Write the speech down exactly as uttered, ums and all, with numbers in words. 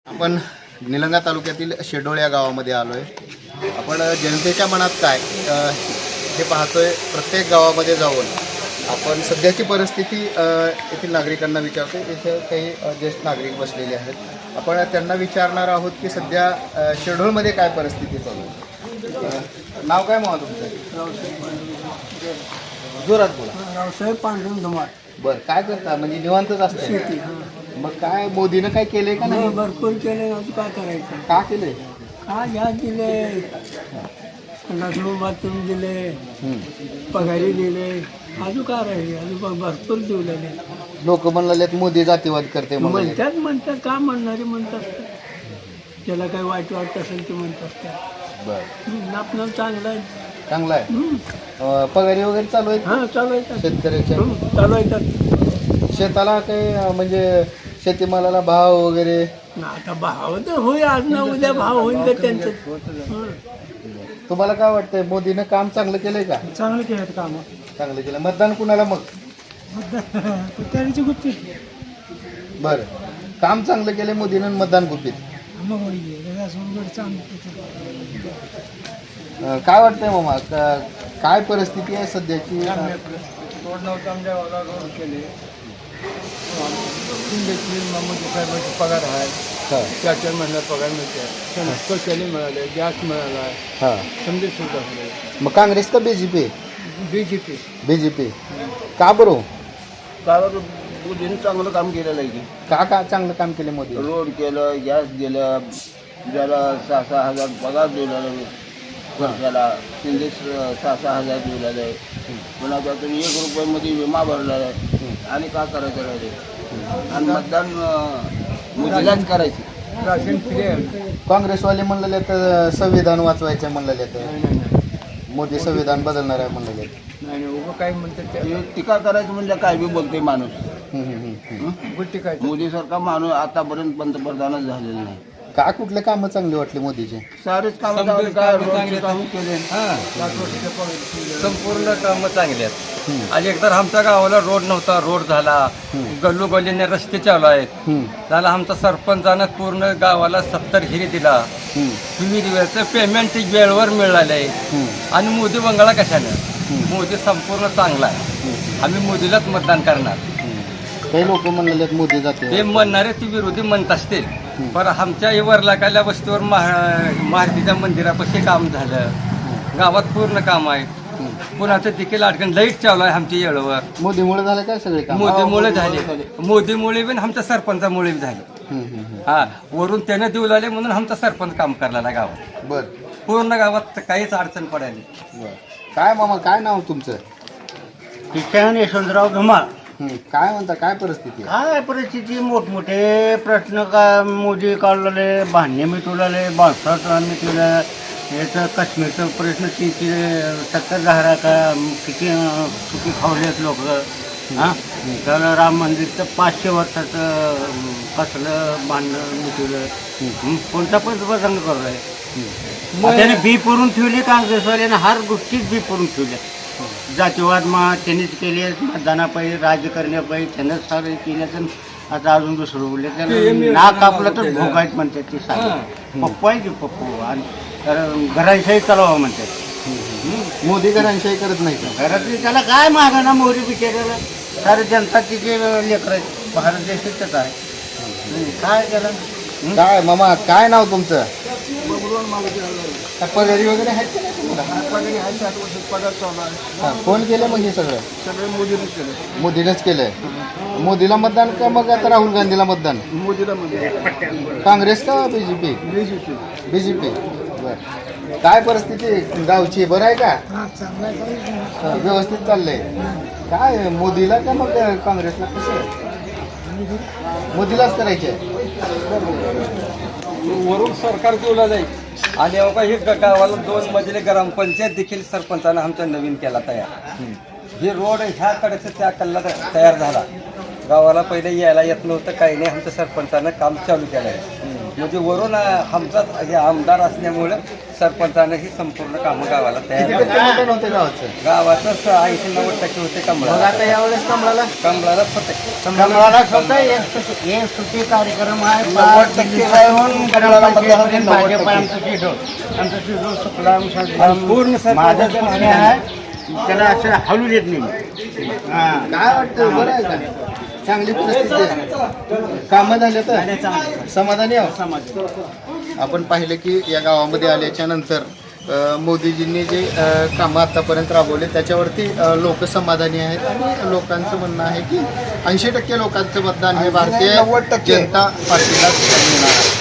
आपण निलंगा तालुक्यातील शेडोळ या गावामध्ये आलो आहे. आपण जनतेच्या मनात काय अ, हे पाहतोय. प्रत्येक गावामध्ये जाऊन आपण सध्याची परिस्थिती अ, येथील नागरिकांना विचारतो. इथे काही अ, ज्येष्ठ नागरिक बसलेले आहेत. आपण त्यांना विचारणार आहोत की सध्या अ, शेडोळमध्ये काय परिस्थिती चालू आहे. अ, नाव काय मग तुमचं? जोरात बोला. रावसाहेब पांडुरंग धुमाळ. बरं, काय करता म्हणजे निवांतच असते? शेती. मग काय मोदीनं काय केलंय का नाही? भरपूर केले अजून काय करायचं. का केलंय? का गॅस दिले, लग्न बाथरूम दिले, हम्म. पगारी दिले, अजून काय राहिले, अजून भरपूर दिवलेले. लोक म्हणलेत मोदी जातीवाद करते म्हणाले. म्हणतात म्हणतात का म्हणणारे म्हणतात. ज्याला काय वाईट वाटत असेल ते म्हणतात. बरं, आपलं चांगलं आहे. चांगला आहे. हम्म. अं, पगारी वगैरे चालू आहे हां चालू आहे. शेतकऱ्याच्या? चालू आहे. शेताला काही अं, म्हणजे शेतीमालाला भाव वगैरे? आता भाव तर होईल, आज ना उद्या भाव होईल तर त्यांचं. हं. तुम्हाला काय वाटतंय, मोदीनं काम चांगलं केलंय का? चांगलं केलं काम. चांगलं केलं. मतदान कुणाला मग? त्याची गुप्ती बरं, काम चांगलं केलंय मोदीनं, मतदान गुपित. अं, काय वाटतंय मामा, का- काय परिस्थिती आहे सध्याची? रोड नव्हतं आमच्या गावाला, रोड केले. साहेबांचे पगार आहे, हां चार चार महिन्यात पगार मिळते. शौचालय मिळाले, गॅस मिळाला, हां. समजे सुविधा झाले. मग काँग्रेस का BJP? B J P. BJP. का बरं? कारण मोदीने चांगलं काम केलेलं आहे की. का का चांगलं काम केलं मोदी? रोड केलं, गॅस दिलं, ज्याला सहा सहा हजार पगार दिलेला वर्षाला, शिंदे सहा सहा हजार दिलेला आहे. पुन्हा त्यातून एक रुपयामध्ये विमा भरलेला आहे. आणि का करायचं राहिले, आणि मतदान अं, मोदीलाच करायचं. राशन फ्री आहे. काँग्रेसवाले म्हणलेले तर संविधान वाचवायचं म्हणलेले तर मोदी संविधान बदलणार आहे म्हणलेले. नाही नाही, उभं काय म्हणतात ते ते टीका करायचं म्हणजे काय बी बोलते माणूस. हम्म, हम्म, हम्म. गोष्टी काय. मोदीसारखा माणूस आतापर्यंत पंतप्रधानच झालेला नाही. का कुठले कामं चांगली वाटली मोदीचे? सारेच कामं चांगले, काय रोडचे कामं केले. संपूर्ण कामं चांगली आहेत. हम्म. आणि एकदा आमच्या गावाला रोड नव्हता, रोड झाला. गल्लोगल्लीने रस्ते चालू आहेत. हम्म, झाला आमचा सरपंचानं पूर्ण गावाला सत्तर हिरी दिला. हम्म, विहिरीवरचं पेमेंट वेळेवर मिळालं आहे. हम्म, आणि मोदी बंगाला कशानं? हम्म. मोदी संपूर्ण चांगला आहे. आम्ही मोदीलाच मतदान करणार. हम्म. काही लोक म्हणलेले आहेत मोदी जाते. ते म्हणणारे ती विरोधी म्हणत असतील, पण आमच्या वरलाकाल्या वस्तीवर महारतीच्या मंदिरापाशी काम झालं. गावात पूर्ण काम आहे. पुण्याचं देखील अडकण लाईट चालू आहे आमच्या येळवर. मोदीमुळे झालं काय सगळे काम? मोदीमुळे झाले. मोदीमुळे पण आमच्या सरपंचामुळे बी झाले. हम्म, हम्म, हम्म. हा, वरून त्याने देऊ लागले म्हणून आमचा सरपंच काम करायला गावात. बर पूर्ण गावात काहीच अडचण पडायली. बर. काय मामा, काय नाव तुमचं? किशन यशवंतराव धुमाळ. हम्म, काय म्हणता, काय परिस्थिती आहे? काय परिस्थिती, मोठमोठे प्रश्न का मोदी काढलेले, भांडणे मिटवलेले, बांसवाचं मिटवलं, याचं काश्मीरचं प्रश्न किती सत्तर दहा का किती अं, चुकी खावलेत लोक. हां, तर राम मंदिरचं पाचशे वर्षाचं अं, कसलं भांडणं मिटवलं. हं, कोणता पण प्रसंग करू आहे. त्याने बी पुरून ठेवली, काँग्रेसवाल्याने हर गोष्टीत बी पुरून ठेवल्या. जातीवाद मा त्यांनीच केले, मतदानापायी राज्य करण्यापायी त्यानंच सारे केल्याचं. आता अजून दुसरं बोलले, त्याला नाक आपलं तर भोगायत म्हणतात ते सारे. पप्पू आहे की पप्पू, आणि तर घरांशाही चालवावं म्हणतात. मोदी घरांशाही करत नाही का? घरातली त्याला काय मागा ना मोहरी बिचारायला. सारे जनता तिचे लेकर आहेत, भारत देशातच आहे. हं, काय त्याला. काय मामा, काय नाव तुमचं? काय पगारी वगैरे आहेत का नाही तुम्हाला? पगारी आहे, सात वर्ष पगार चालू आहे. हा, कोण केलं मग हे सगळं? सगळं मोदीनेच केलं. मोदीनेच केलंय. मोदीला मतदान का मग आता राहुल गांधीला मतदान? मोदीला मध्ये काँग्रेस का बीजेपी? बीजेपी. बीजेपी. बर. काय परिस्थिती गावची, बरं आहे का? हा, व्यवस्थित चाललंय. काय मोदीला का मग काँग्रेसला, कसं? मोदीलाच करायचे. वरून सरकार देऊला जाईल. आणि अवघा हे ग- गावाला दोन मजले ग्रामपंचायत देखील सरपंचानं आमचा नवीन केला तयार. हे रोड ह्या कडेचं त्या कल्ला तयार झाला. गावाला पहिले यायला येत नव्हतं, काही नाही. आमच्या सरपंचानं काम चालू केलं आहे. म्हणजे वरून आमचा हे आमदार असल्यामुळं सरपंचाने ही संपूर्ण कामं गावाला किती तयार टक्के मतदान होते गावाचं? गावातच ऐंशी नव्वद टक्के होते मग कमळाला आता यावेळेस कमळाला कमळालाच होते कमळाला स्वतः एक सुट्टी- एक सुट्टी कार्यक्रम आहे नव्वद टक्के राहून कमळाला मतदान होते, नव्वद भाजप टक्के. आमचं शिडोल आमचं शिडोल सुकलाम सजलाम पूर्ण सरकार माझं जण सुट्टी आहे त्याला असं हलू देत नाही मी. हा. काय वाटतं बरं आहे का? चांगली परिस्थिती आहे. कामं झाले तर समाधानी आहोत. आपण पाहिलं की या गावामध्ये आल्याच्या नंतर अ, मोदीजींनी जे अ, कामं आतापर्यंत राबवले त्याच्यावरती लोक समाधानी आहेत आणि लोकांचं म्हणणं आहे की ऐंशी टक्के लोकांचं मतदान हे भारतीय नव्वद टक्के. जनता पार्टीलाच मिळणार आहे.